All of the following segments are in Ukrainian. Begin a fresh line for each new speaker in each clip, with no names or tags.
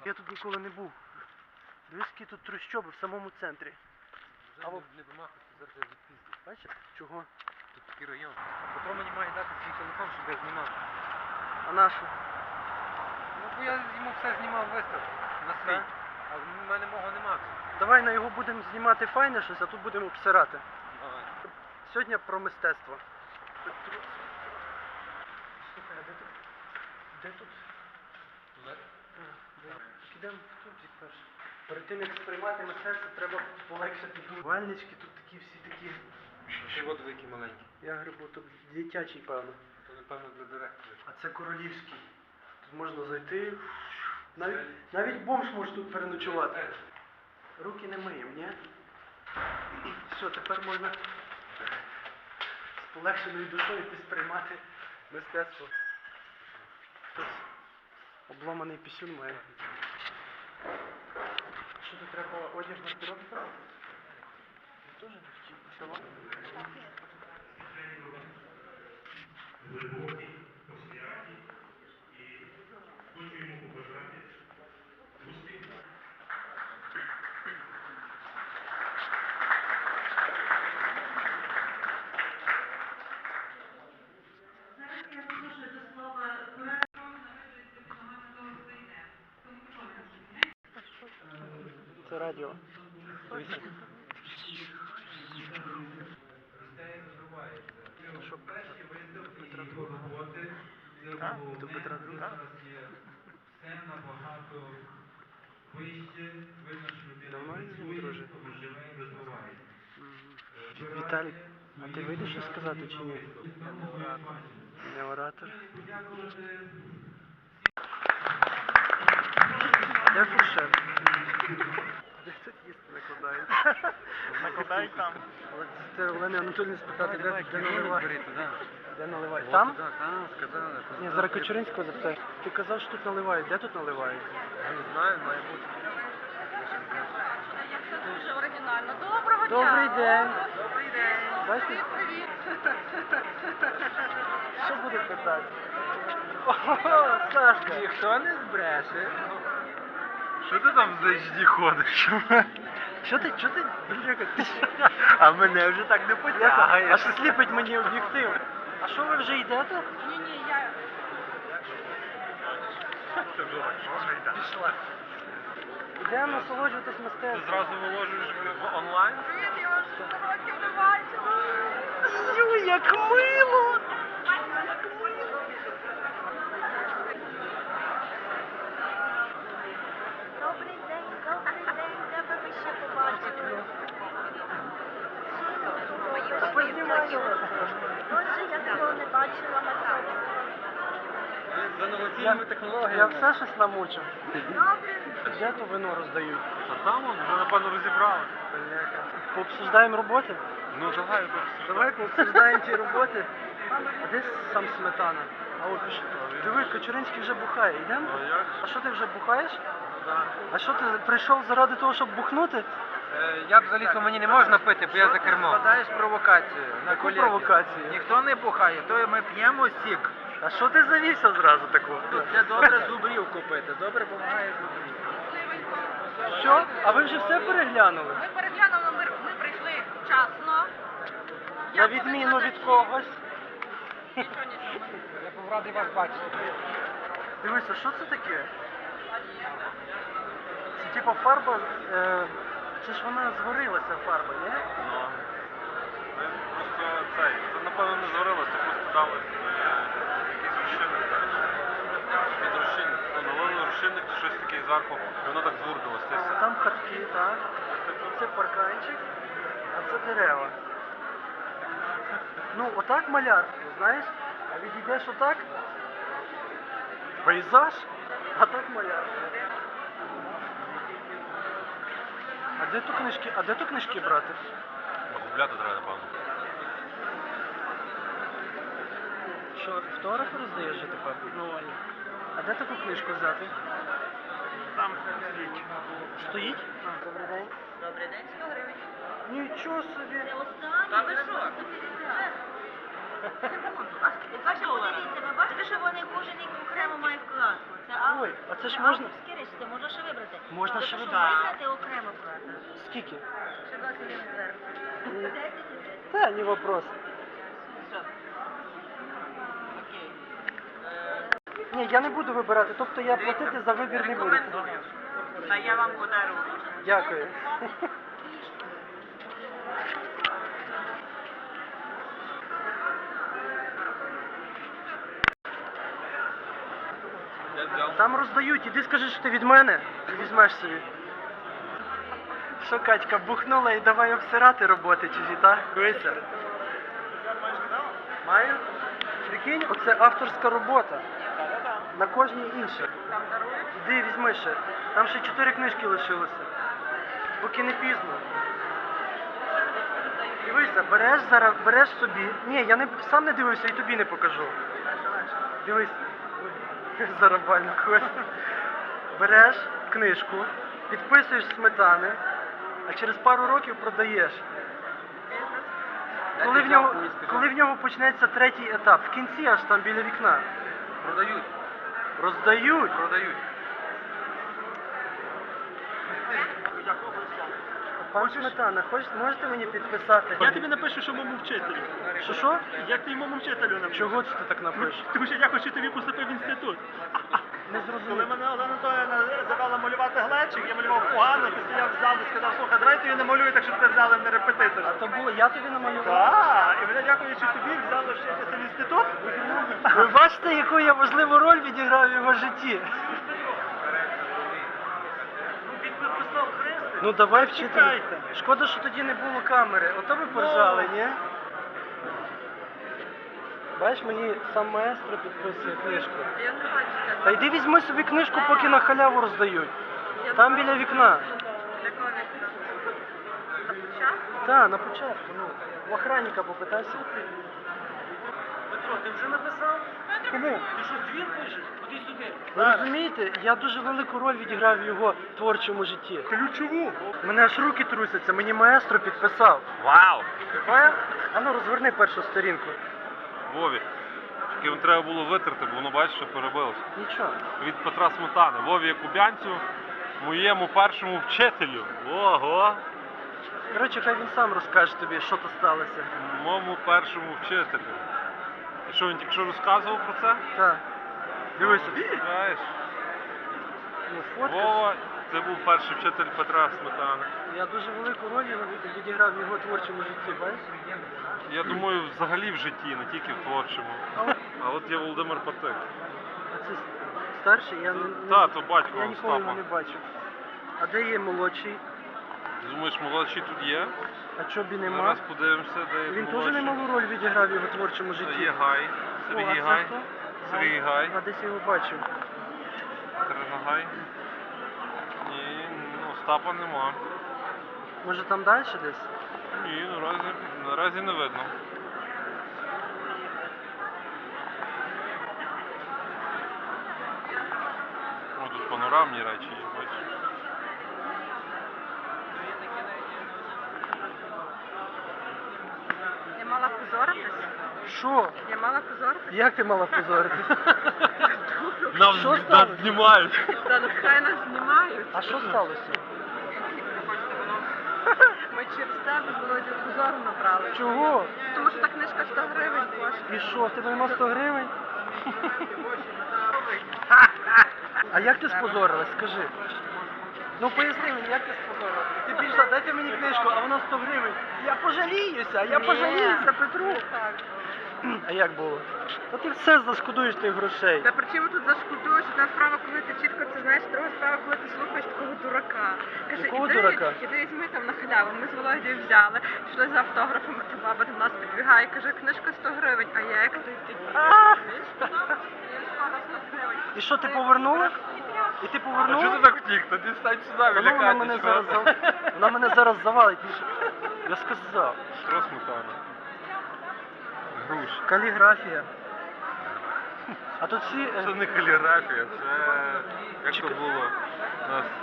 Я тут ніколи не був. Дивись, які тут трущоби в самому центрі.
Вже не вимахуйся, зараз я відпіздю.
Бачиш? Чого?
Тут такий район. Петро мені має дати свій телефон, щоб я знімав.
А нашу?
Ну бо я йому все знімав вистав на свій.
Так.
А в мене мого нема вже.
Давай на його будемо знімати файне щось, а тут будемо обсирати.
Давай.
Сьогодні про мистецтво. Слухай, а де тут? Де тут? Підемо в тупик перше. Перед тим, як сприймати мистецтво, треба полегшити. Вальнички тут такі всі такі.
Ще от великий маленький.
Я грибу, тут дитячий, певно.
То напевно для директора.
А це королівський. Тут можна зайти. Навіть бомж може тут переночувати. Руки не миємо, ні? Все, тепер можна з полегшеною душою йти сприймати мистецтво. Хтось обламаний пісюн має. Що тут треба одяг на пірог? Я теж не хотів. Сама?
Глибокі, посвяті і хочу йому побажати успіху.
Зараз я запрошую до слова
Це радіо. Що? Петра Другого. Так? До Петра Другого.
Все набагато вище, видно, що людина
Нормально,
працює,
друже?
живе і розвивається.
Віталік, а ти вийдеш щось сказати чи ні? Не оратор. Де фуршет? Де тут їсти накладають?
Накладають там.
Але це Олени Анатоліївни спитати, де наливають?
Бери туди.
Де наливають?
От
Там?
туди, там, сказали.
Ні, зараз Кочуринського запитаю. Ти казав, що тут наливають. Де тут наливають?
Я не знаю, має бути.
Це дуже оригінально. Доброго дня!
Добрий день.
Добрий день!
Бачите?
Привіт!
Що буде питати? Ого, Сашка!
Ніхто не збреше.
Що ти там за HD ходиш?
Що ти, Бляха, ти що?
А мене вже так не
Аж
потягаєш.
сліпить мені об'єктив. А що ви вже йдете?
Ні, я...
Це вже так, що вже йде.
Пішла. Йдемо насолоджуватись
Ти
мистецтвом.
зразу виложуєш в онлайн?
Привіт, я вас 100 років не бачила!
Ю, як мило!
Добрий день, де би ви ще побачили?
Та познімайте вас.
Боже, я такого не бачила на цьому.
За новаційними
Я
технологіями.
все щось намучив.
Добре.
Де то вино роздають?
А там он вже напевно розібрали.
Пообсуждаємо роботи?
Ну давай,
Давай пообсуждаємо ті роботи. А де сам Сметана? А от пише. Диви, Кочуринський вже бухає. Йдемо?
Ну як?
А що ти вже бухаєш?
Так.
А що ти прийшов заради того, щоб бухнути?
Я взагалі-то мені не можна пити, бо я за кермом.
Складаєш провокацію на
Яку
колегів.
провокацію?
Ніхто не бухає, то ми п'ємо сік.
А що ти завівся зразу такого?
Це добре зубрів купити, добре допомагає зубрів.
Що? А ви вже все переглянули?
Ми переглянули, ми прийшли вчасно.
На відміну від когось.
Нічого.
Я був радий вас бачити.
Дивися, що це таке? Це типа фарба, це ж вона згорілася фарба, ні?
Ну. Ми просто це напевно не згорілося, просто дали якийсь розчинник. Під розчинник. Налили розчинник чи щось таке зверху, і воно так згурдилося. Це все.
Там хатки, так. Це парканчик, а це дерева. Ну, отак малярство, знаєш? А відійдеш отак? Пейзаж, а так малярство. А де то книжки брати?
Губляти треба, напевно.
Що, автографи роздаєш же тепер? Ну, а де таку книжку взяти?
Там стоїть.
Стоїть? Добрий день.
Добрий день, 100 гривень.
Нічого собі.
Це останнє. Та ви що? Бачите, подивіться, ви бачите, що вони кожен рік окремо мають вкладку. Це
Ой, а це ж можна.
авторські речі, вибрати, можна ще вибрати.
Можна
Тобто,
ще
щоб
вибрати.
вибрати окремо плата.
Скільки?
Ще 20 гривень зверху. 10 і 10.
Та, не вопрос. Ні, я не буду вибирати, тобто я платити за вибір не буду.
Та я вам подарую.
Дякую.
Я взяв.
Там роздають, іди скажи, що ти від мене і візьмеш собі. Що, Катька, бухнула і давай обсирати роботи чужі, так? Дивися. Маю? Прикинь, оце авторська робота. На кожній інша. Іди візьми ще. Там ще 4 книжки лишилося. Поки не пізно. Дивися, береш зараз, береш собі. Ні, я не, сам не дивився і тобі не покажу. Дивись. Зарабально когось. Береш книжку, підписуєш Сметани, а через пару років продаєш. Коли в нього почнеться третій етап, в кінці аж там біля вікна.
Продають.
Роздають.
Продають.
Пан Сметана, можете мені підписати?
Я тобі напишу, що моєму вчителю.
Що?
Як ти моєму вчителю напишу?
Чого це ти так напишеш?
Тому що я хочу, щоб тобі поступив в інститут.
Не
Коли
зрозумів.
мене Олена Анатоліївна завела малювати глечик, я малював погано, ти стояв в залі і сказав, слухай, давай ти її намалюй, так щоб тебе взяли на репетитор.
А то було, я тобі намалював.
Так, і мене дякуючи тобі взяли вчитися в інститут.
Ви бачите, яку я важливу роль відіграв в його житті? Ну давай вчителю.
Чекайте.
Шкода, що тоді не було камери. Ото ви поржали, ні? Бачиш, мені сам маестро підписує книжку.
Я не бачу.
Та йди візьми собі книжку, поки на халяву роздають. Там біля вікна.
Якого вікна? На початку?
Так, на початку. Ну, в охранника попитайся.
Петро, ти вже написав?
Кому?
Ти що, твір пишеш? Ходи сюди.
Ви розумієте, я дуже велику роль відіграв в його творчому житті.
Ключову.
Мене аж руки трусяться, мені маестро підписав.
Вау!
Поняв? А ну розверни першу сторінку.
Вові. Тільки вам треба було витерти, бо воно бачиш, що перебилося.
Нічого.
Від Петра Сметани. Вові Якубянцю, моєму першому вчителю. Ого!
Коротше, хай він сам розкаже тобі, що то сталося.
Моєму першому вчителю. І що, він тільки що розказував про це?
Так. Дивися.
Знаєш,
Ну, фотка.
Вова, це був перший вчитель Петра Сметани.
Я дуже велику роль відіграв в його творчому житті, бачиш?
Я думаю, взагалі в житті, не тільки в творчому. А от є Володимир Патик.
А це старший? Я не
Та, то батько
я ніколи його
Остапа.
не бачив. А де є молодший?
Думаєш, молодший тут є?
А чобі нема?
Зараз подивимося, де є
Він теж
молодший.
немалу роль відіграв в його творчому
Це
житті.
є Гай,
О,
Сергій
а це
Гай.
хто?
Сергій Гай.
А десь я його бачив.
Катерина Гай. Ні, ну, Остапа нема.
Може там далі десь?
Ні, наразі не видно. О, тут панорамні речі є, бачиш?
Я мала позоритись?
Що?
Я мала позоритись?
Як ти мала позоритись?
Нас,
Що
нас
сталося?
знімають.
Та нехай нас знімають.
А що сталося?
Ми через тебе з Володю позору набрали.
Чого?
Тому що та книжка 100 гривень коштує.
І що, в тебе нема 100 гривень? А як ти спозорилась, скажи? Ну поясни мені, як ти спозорилась? Ти пішла, дайте мені книжку, а вона 100 гривень. Я пожаліюся, я
Ні.
пожаліюся, Петру.
Так.
А як було? Та ти все заскудуєш тих грошей.
Та при чому тут зашкодуєш? Одна справа, коли ти чітко це знаєш, друга справа, коли ти слухаєш такого дурака. Каже,
Якого дурака?
іди візьми там на халяву. Ми з Володією взяли, пішли за автографом, а та баба до нас підбігає, каже, книжка 100 гривень, а я як ти
А!
шкода 100 гривень.
І що, ти повернула? І ти
А
повернула?
чого ти так втік? Тоді стань сюди,
Та ну,
біля
вона мене зараз завалить. Я сказав.
Петро Сметана. Груш.
Каліграфія. А тут всі...
Це не каліграфія, це... Як то було? У нас...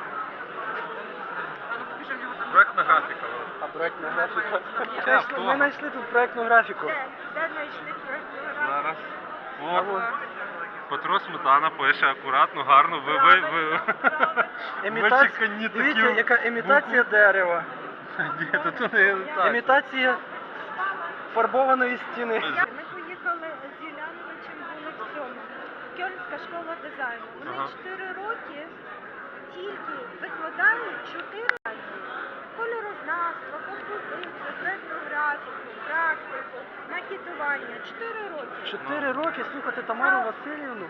Проектна графіка.
А проектна графіка?
Автограф.
Ми знайшли тут проектну графіку.
Де знайшли проєкту?
Зараз.
А
О,
вон.
Петро Сметана пише акуратно, гарно, ви вичекані
Дивіться,
такі...
яка імітація дерева.
Ні, то тут не імітація.
Імітація фарбованої стіни.
Ми поїхали з Юляновичем, були в цьому. Кьольнська школа дизайну. Вони
Ага.
4 роки тільки викладають 4 разі. Кольорознавство, композицію, етнографіку, практику, макетування. 4 роки.
4 роки слухати Тамару Васильівну.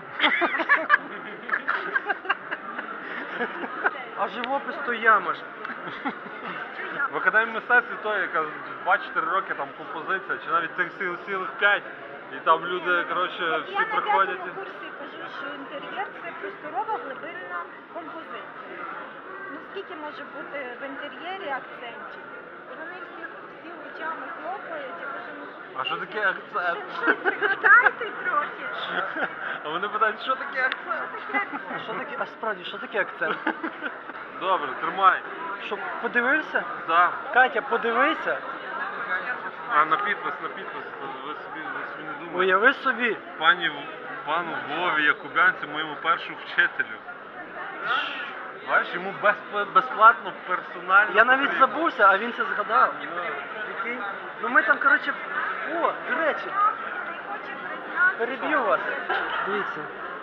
А живопис то яма ж.
В академії мистецтв то, яка 2-4 роки там композиція, чи навіть тих цілих 5, і там люди, коротше, всі
Я на
приходять.
5-му курсі кажу, що інтер'єр це просторова глибинна композиція. Ну скільки може бути в інтер'єрі акцентів? І вони всі очами хлопають, я кажу, ну
А що таке акцент?
щось пригадайте трохи.
А вони питають, що таке акцент?
Що таке, а справді, що таке акцент?
Добре, тримай.
Що, подивився?
Да.
Катя, подивися.
А на підпис, ви собі не думаєте.
Уяви собі.
Пану Вові Якубянцю, моєму першому вчителю. Бачиш, йому безплатно, персонально.
Я навіть забувся, а він це згадав. Прикинь? Ну ми там, коротше, о, до речі,
Не хоче признати.
переб'ю вас. Дивіться.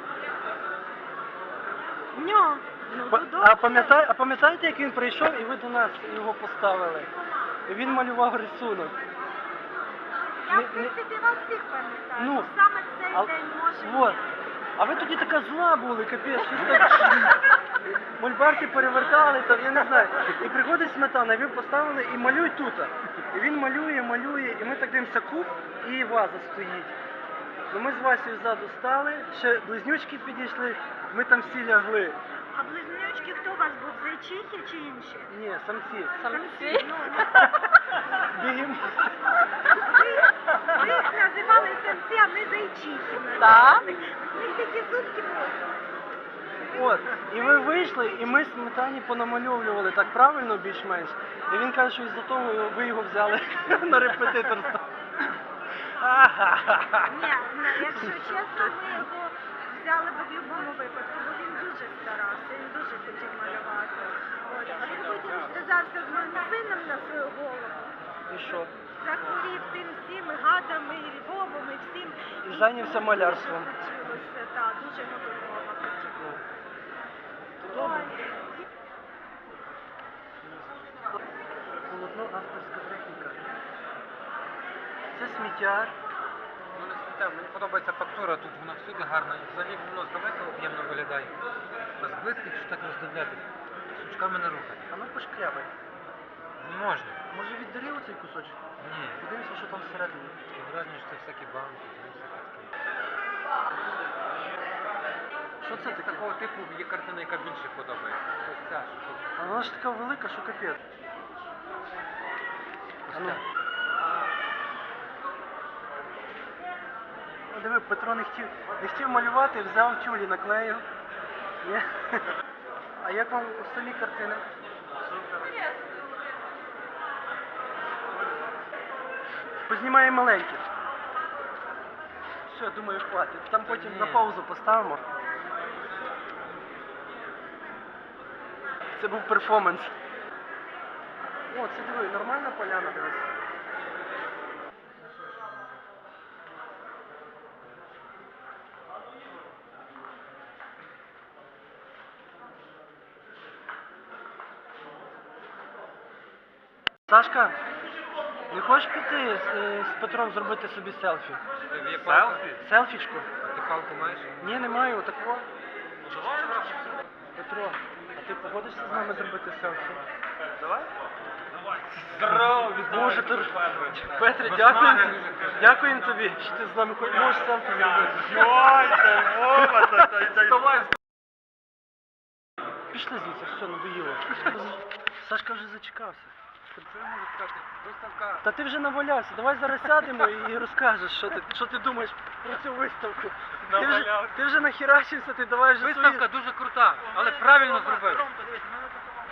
Ньо. Ну,
А пам'ятаєте, як він прийшов і ви до нас його поставили? І він малював рисунок.
Я, в
не-
принципі, вас всіх пам'ятаю.
Ну,
Ну, саме цей
а-
день може.
Вот. А ви тоді така зла були, капець, щось так. Мольбарки перевертали, там, я не знаю. І приходить Сметана, ви поставили і малюй тут. І він малює, і ми так дивимося куб, і ваза стоїть. Ну ми з Васею ззаду стали, ще близнючки підійшли, ми там всі лягли.
А близнючки хто у вас був? Зайчихи чи інші?
Ні, самці.
Самці. Ну,
Бігім.
ви їх називали самці, а ми зайчихи.
Так?
У них такі зубки були.
От, і ви вийшли, і ми Сметані понамальовували так правильно більш-менш. І він каже, що із-за того ви його взяли на репетиторство.
Ні, якщо чесно, ми його взяли б в будь-якому випадку, бо він дуже старався, він дуже хотів малювати. От. А він потім зв'язався з моїм сином на свою голову.
І що?
Захворів тим всім і гадами, і Львовом, і всім.
І зайнявся малярством.
Так, дуже готово хотілося.
Добре. Полотно авторська техніка. Це сміттяр.
Ну не сміття, мені подобається фактура, тут вона всюди гарна. І взагалі воно здалека об'ємно виглядає. А зблизька, якщо так роздивлятися, сучками не рухає.
А ну пошкрябай.
Не можна.
Може віддарі оцей кусочок?
Ні.
Подивися, що там всередині.
Таке враження, що це всякі банки, ну, всяке таке.
Що це
З
таке?
такого типу є картина, яка більше подобається. Ось ця, що тут.
А вона ж така велика, що капець.
Ось
А ну.
ця.
О, диви, Петро не хотів малювати, взяв тюлі, наклеїв. Ні? А як вам самі картини? Познімаємо маленькі. Все, думаю, хватить. Там потім
Ні.
на паузу поставимо. Це був перформанс. О, це диви, нормальна поляна, дивись. Сашка, не хочеш піти з Петром зробити собі селфі?
Ти є палка?
Селфішку?
Ти палку маєш?
Ні, не маю, отакого. Петро, а ти погодишся з нами зробити селфі? Давай.
Здорово,
Боже, ти... Петре, дякуємо. Дякуємо тобі, що ти з нами можеш селфі зробити.
Йой, це Вова,
Вставай,
Пішли звідси, все, надоїло. Сашка вже зачекався.
Що я можу сказати? Виставка.
Та ти вже навалявся, давай зараз сядемо і розкажеш, що ти думаєш про цю виставку. Ти вже нахерачився, ти давай вже
Виставка дуже крута, але правильно зробив.
Ромко, дивись, ми